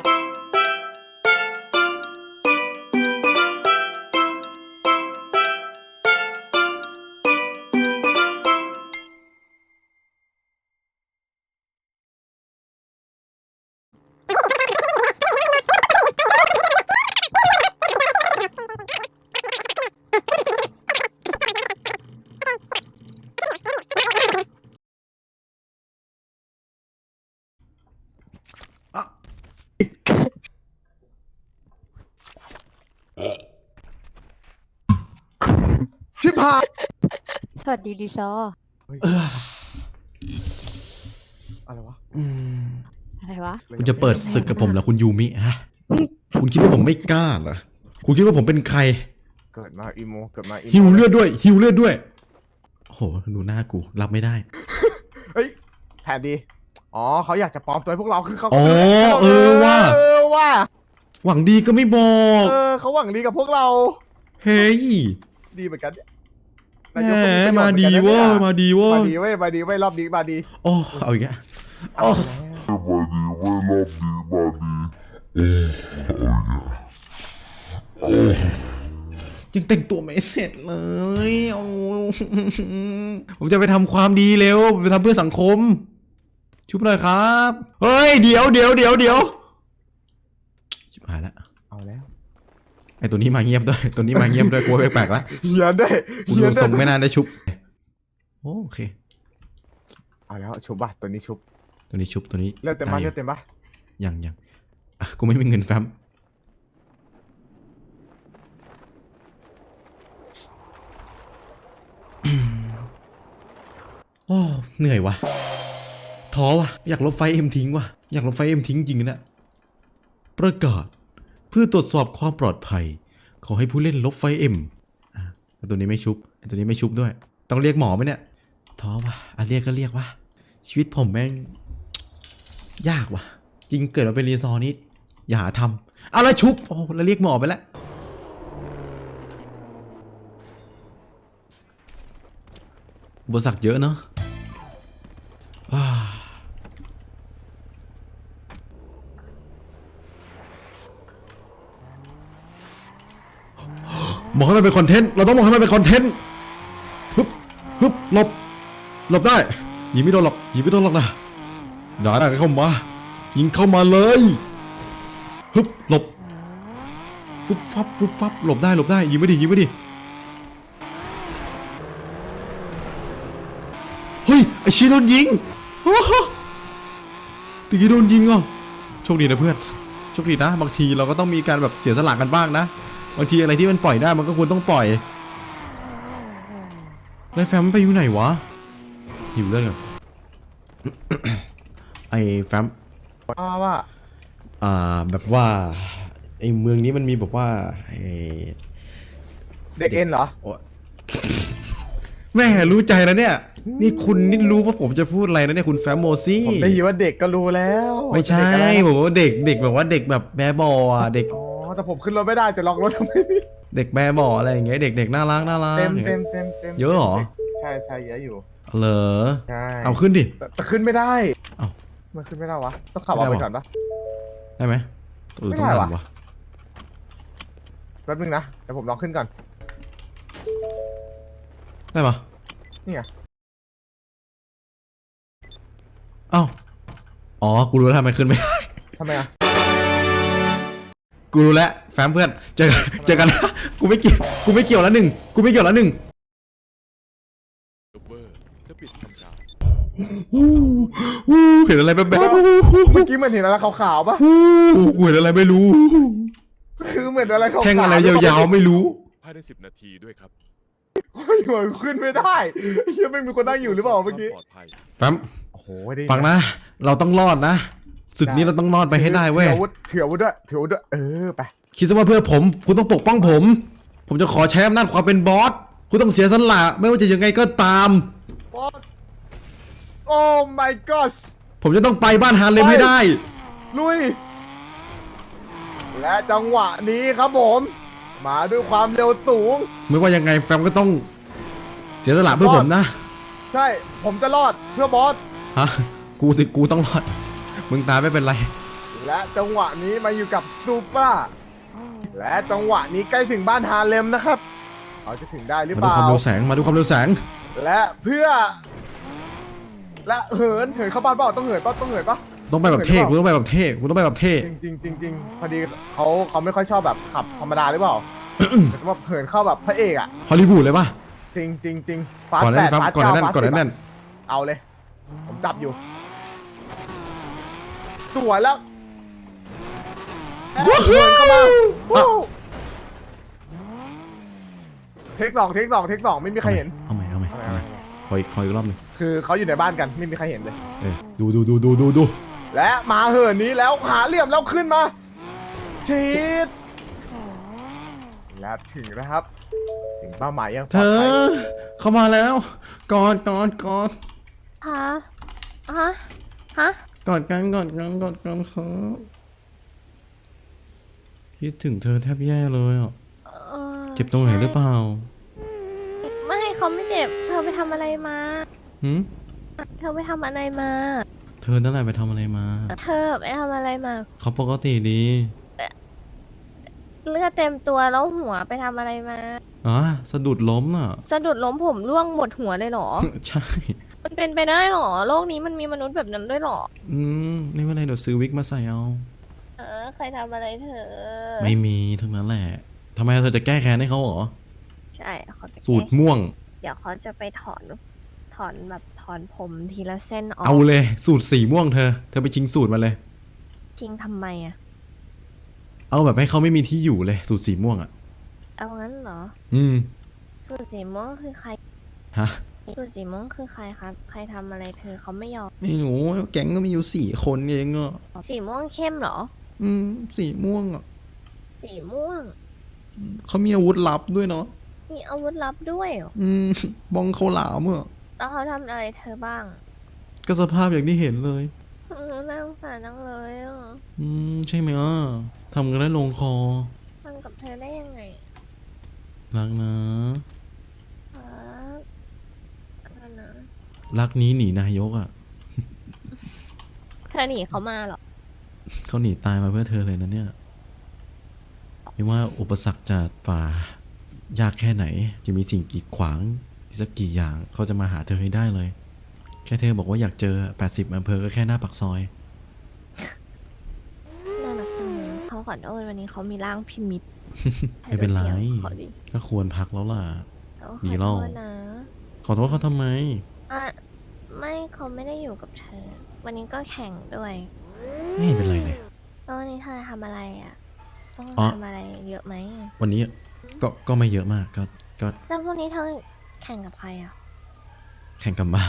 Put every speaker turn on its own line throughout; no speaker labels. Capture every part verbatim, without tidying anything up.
ชิบหาย
สวัสดีดิซอ
อะไรวะ
อะไรวะ
คุณจะเปิดศึกกับผมเหรอคุณยูมิฮะคุณคิดว่าผมไม่กล้าเหรอคุณคิดว่าผมเป็นใคร
เกิดมาอีโมเกิดมา
หิวเลือดด้วยหิวเลือดด้วยโอ้โหดูหน้ากูรับไม่ได้
เฮ้ยแผนดีอ๋อเขาอยากจะปลอมตัวพวกเราคือเขา
อ๋อเออว่า
เออว่า
หวังดีก็ไม่บอก
เออเขาหวังดีกับพวกเรา
เฮ้ย
ดีเหมือนกัน
แหมมาดีเว้ยมาดีเว้ย
มาดีเว้ยมาดีเว้ยรอบนี้มาดี
โอ้เอาอีกแล้วโอ้
มาดีเว้ยรอบนี้มาดีโอ้เอาอีกแล้ว
ยังแต่งตัวไม่เสร็จเลยโอ้ผมจะไปทำความดีเร็วไปทำเพื่อสังคมชุบหน่อยครับเฮ้ยเดี๋ยวเดี๋ยวเดี๋ยวเดี๋ยวชิบหายละ
เอาแล้ว
ไอตัวนี้มาเงียบด้วยตัวนี้มาเงียบด้วยกลัวแปลกๆละ
เฮียนได้
กูดูทรงไม่น่าได้ชุบโอเค
เอาแล้วชุบป่ะตัวนี้ชุบ
ตัวนี้ชุบตัวนี้
เลือดเต็มปะเลือดเต็มปะ
ยังยังกูไม่มีเงินแฟ้มโอ้เหนื่อยวะท้อวะอยากลบไฟเอ็มทิ้งวะอยากลบไฟเอ็มทิ้งจริงนะประกาศเพื่อตรวจสอบความปลอดภัยขอให้ผู้เล่นลบไฟเอ็มตัวนี้ไม่ชุบตัวนี้ไม่ชุบด้วยต้องเรียกหมอไหมเนี่ยท้อวะอ่ะเรียกก็เรียกวะชีวิตผมแม่งยากวะจริงเกิดมาเป็นรีซอร์นี่อย่าหาทำอะไรชุบโอ้แล้วเรียกหมอไปแล้วบริษัทเยอะเนาะบอกให้มันเป็นคอนเทนต์เราต้องบอกให้มันเป็นคอนเทนต์ฮึบฮึบหลบหลบได้ยิงไม่โดนหรอกยิงไม่โดนหรอกนะด่าได้เข้ามายิงเข้ามาเลยฮึบหลบฟุบฟับฟุบฟับหลบได้หลบได้ยิงไม่ดียิงไม่ดีเฮ้ยไอชีโดนยิงโอ้โหตะกี้โดนยิงอ่ะโชคดีนะเพื่อนโชคดีนะบางทีเราก็ต้องมีการแบบเสียสละกันบ้างนะบางทีอะไรที่มันปล่อยได้มันก็ควรต้องปล่อยแล้วแฟมไปอยู่ไหนวะหิวเลือดกันไอแฟม
ว่า
อ่าแบบว่าไอเมืองนี้มันมีแบบว่าไอ
เด็กเอ็นเหรอ
แม่รู้ใจแล้วเนี่ยนี่คุณนี่รู้ว่าผมจะพูดอะไรนะเนี่ยคุณแฟมโมซี่
ผมได้ยินว่าเด็กก็รู้แล้ว
ไม่ใช่ผมว่าเด็กเด็กแบบว่าเด็กแบบแบบ่อ่ะเด็ก
อ๋อแต่ผมขึ้นรถไม่ได้จะล็อกรถทำไม
เด็กแบบ่อะไรอย่างเงี้ยเด็กเด็กน่ารักน่ารัก
เต็มเต็มเต็มเต็ม
เยอะหรอ
ใช่ใช่เยอะอยู่
เหรอ
ใช่
เอาขึ้นดิ
แต่ขึ้นไม่ได้
เอ้า
มันขึ้นไม่ได้วะต้องขับออกไปก่อนปะ
ได้ไหมหรือต้องดันวะ
แป๊บนึงนะเดี๋ยวผมลองขึ้นก่อน
ได้ปะ
นี่ไง
เอ้าอ๋อกูรู้แล้วทำไมขึ้นไม่ได้
ทำไมอ่ะ
กูรู้แล้วแฟมเพื่อนเจอเจอกันนะกูไม่เกี่ยวกูไม่เกี่ยวแล้วหนึ่งกูไม่เกี่ยวแล้วหนึ่งเห็นอะไรแบบแบบเ
มื่อกี้มันเห็นอะไรขาวๆป่ะ
เห็นอะไรไม่รู้
คือเหมือนอะไรขาวๆ
แท่งอะไรยาวๆไม่รู้
ภายในสิบนาทีด้วยครับ
โอ้ยขึ้นไม่ได้ยังไม่มีคนนั่งอยู่หรือเปล่าเมื่อกี้
แฟมฟังนะเราต้องรอดนะศึกนี้เราต้องรอดไปให้ได้เว้ย
ถืออาวุธถืออาวุธด้วยถืออาวุธด้วยเออไป
คิดซะว่าเพื่อผมคุณต้องปกป้องผมผมจะขอใช้อำนาจความเป็นบอสคุณต้องเสียสละไม่ว่าจะยังไงก็ตาม
บอสโอ้ my god
ผมจะต้องไปบ้านฮาเลมให้ได้
ลุยและจังหวะนี้ครับผมมาด้วยความเร็วสูง
ไม่ว่ายังไงแฟมก็ต้องเสียสละเพื่อผมนะ
ใช่ผมจะรอดเพื่อบอส
ฮะกูติกูต้องรอดมึงตายไม่เป็นไร
และจังหวะนี้มาอยู่กับซูเปอร์และจังหวะนี้ใกล้ถึงบ้านฮาเลมนะครับเขาจะถึงได้หรือ
มา
เป
ดู
ล่า
ความเร็วแสงมาดูความเร็วแสง
และเพื่อ และเหินเหินเข้าบ้านเปล่าต้องเหินเปล่าต้องเหินเปล่า
ต้องไปแบบเท่กูต้องไปแบบเท่กูต้องไปแบบเท่
จริงจริงๆจริงๆพอดีเขาเขาไม่ค่อยชอบแบบขับธรรมดาหรือเปล่า แต่ว่าเหินเข้าแบบพระเอกอะ
ฮอลลีวูดเลยป่ะ
จริงจริงจริงฟาส
ก่อน
แป
นั้น
ด
ครับ
ฟาส
ก่อน
เก้า
นั้น
ฟาส
ก่อน
สิบ
นั้น
เอาเลย ผมจับอยู่สวยแล้วเหินเข้ามาวู้เทคสองเทคสองเทคสองไม่มีใครเห็น
เอาใหม่เอาใหม่เอาใหม่ขออีกขออีกรอบหนึ่ง
คือเขาอยู่ในบ้านกันไม่มีใครเห็นเลย
เออดูดูดูดูดูดู
และมาเหินนี้แล้วหาเหลี่ยมแล้วขึ้นมาชีดและถึงนะครับ ถึงเป้าหมายยังป
เธ
ลอด
อ
ภัย
เข้ามาแล้วกอดกอดกอด
ฮะฮะฮะ
กอดกันกอดกันกอดกันครับคิดถึงเธอแทบแย่เลยอ่ะ
เออ
เจ็บตรงไหนหรือเปล่า
ไม่เขาไม่เจ็บ เธอไปทำอะไรมา
หืม
เธอไปทำอะไรมา
เธอนั่นแหละไปทำอะไรมา
เธอไปทำอะไรมา
เขาปกติดี
เลือดเต็มตัวแล้วหัวไปทำอะไรมา
อ๋อสะดุดล้มอ่ะ
สะดุดล้มผมร่วงหมดหัวเลยเหรอ
ใช่
มันเป็นไปได้เหรอ โลกนี้มันมีมนุษย์แบบนั้นด้วยเหรอ
อืมไม่เป็นไรเดี๋ยวซื้อวิกมาใส่เอา
เออ ใครทำอะไรเธอ
ไม่มีทั้งนั้นแหละทำไมเธอจะแก้แค้นให้เขาเหรอ
ใช่เขาจะ
สูตรม่วง
เดี๋ยวเขาจะไปถอน ถอนแบบถอนผมทีละเส้นออก
เอาเลย สูตรสีม่วงเธอ เธอไปชิงสูตรมาเลย
ทิ้งทำไมอะ
เอาแบบให้เขาไม่มีที่อยู่เลย สูตรสีม่วงอ่ะ
เอางั้นเหรอ
อืม
สูตรสีม่วงคือใคร
ฮะ
สูตรสีม่วงคือใครครับ ใครทำอะไรเธอเขาไม่ยอม
ไม่หนูแก๊งก็มีอยู่สี่คนเองอ่ะ
สีม่วงเข้มเหรอ
อืม สีม่วงอ่ะ
สีม่วง
เขามีอาวุธลับด้วยเนาะ
มีอาวุธลับด้วยเหรอ
อืม บองเขาหลามอ่ะ
แล้วเขาทำอะไรเธอบ้าง
ก็สภาพอย่างที่เห็นเลย
อืมน่าสงสารจังเลยอ่ะ
อืม ใช่ไหมอ่ะทำกันได้ลงคอ
ทำกับเธอได้ยังไง
รักนะ
ครับอะไรนะ
รักนี้หนีนายกอ่ะ
เธอหนีเขามาเหรอ
เขาหนีตายมาเพื่อเธอเลยนะเนี่ย ไม่ว่าอุปสรรคจะฝ่ายากแค่ไหน จะมีสิ่งกีดขวางอีกสักกี่อย่างเขาจะมาหาเธอให้ได้เลย แค่เธอบอกว่าอยากเจอแปดสิบอำเภอก็แค่หน้าปากซอย
น่ารักจังเลยเขาขอโทษวันนี้เขามีร่างพิมิต
ไม่เป็นไร
ให้ดูสียงขอดิ
ก็ควรพักแล้วล่ะ
เขาข
ดี
อ
แล้
โท
ว
ษนะ
ขอโทษเขาทำไม
อ่ะไม่เขาไม่ได้อยู่กับเธอ วันนี้ก็แข่งด้วย
ไม่เห็นเป็นไรเลย
แล้ววันนี้เธอทำอะไรอ่ะ ต้อง
อ๋อ
ทำอะไรเยอะไหม
วันนี้ก็ก็ไม่เยอะมากก็ก็
แล้วพรุ่งนี้เธอแข่งกับใครอ่ะ
แข่งกับม้า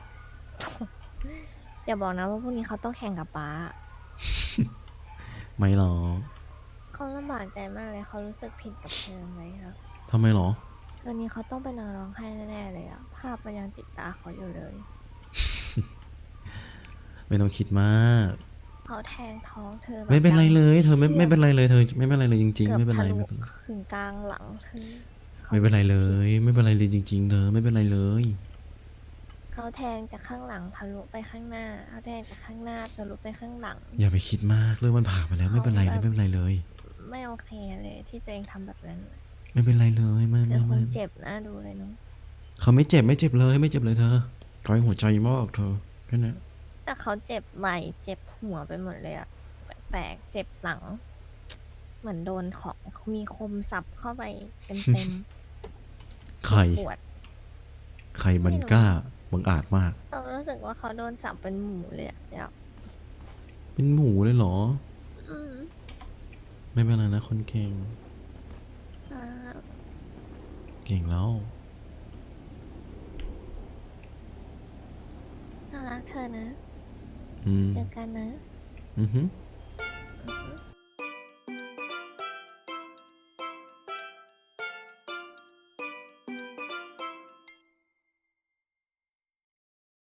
อย่าบอกนะว่าพรุ่งนี้เขาต้องแข่งกับป๊า
ไม่หรอก
เขาลำบากใจมากเลยเขารู้สึกผิดกับเธอไหมครับ
ทำไมหรอ
คืนนี้เขาต้องไปนอนร้องไห้แน่ๆเลยอะภาพมันยังติดตาเขาอยู่เลย
ไม่ต้องคิดมาก
เขาแทงท้องเธอแบบ
ไม่เป็นไรเลย เธอไม่
ฉียบ
ไม่เป็นไรเลยเธอไม่เป็นไรเลยจริง
กื
ๆ
อบ
ไม่เป็นไร
ทะลุ
ไม่เป็นไร
ถึงกลางหลังเธอขา
ไม่เป็นไรเลย ไม่เป็นไรเลยจริง ๆ เธอไม่เป็นไรเลย
เขาแทงจากข้างหลังทะลุไปข้างหน้าเขาแทงจากข้างหน้าทะลุไปข้างหลัง
อย่าไปคิดมากเรื่องมันผ่านไปแล้วไม่เป็นไรเลยไม่เป็นไรเลย
ไม่โอเคเลยที่ตัวเองทำแบบนั้น
ไม่เป็นไรเลยไม่
เธ
ไม่
อค
ไม่
งเจ็บนะดูเลยเนาะ
เขาไม่เจ็บไม่เจ็บเลยไม่เจ็บเลยเธอก้อยหัวใจมากเธอแค่นั้น
แต่เขาเจ็บไหล่เจ็บหัวไปหมดเลยอะแปลกๆเจ็บหลัง เหมือนโดนของมีคมสับเข้าไปเต็ม
ใคร
ๆปวด
ใครมันกล้าบังอาจมาก
เรารู้สึกว่าเขาโดนสับเป็นหมูเลยอะเดี๋ยว
เป็นหมูเลยเหรอ
อืม
ไม่เป็นไรนะคนเก่ง
อ่า
เก่งแล้ว
น่ารักเธอนะ
อืม
เจอกันนะ
อือหือ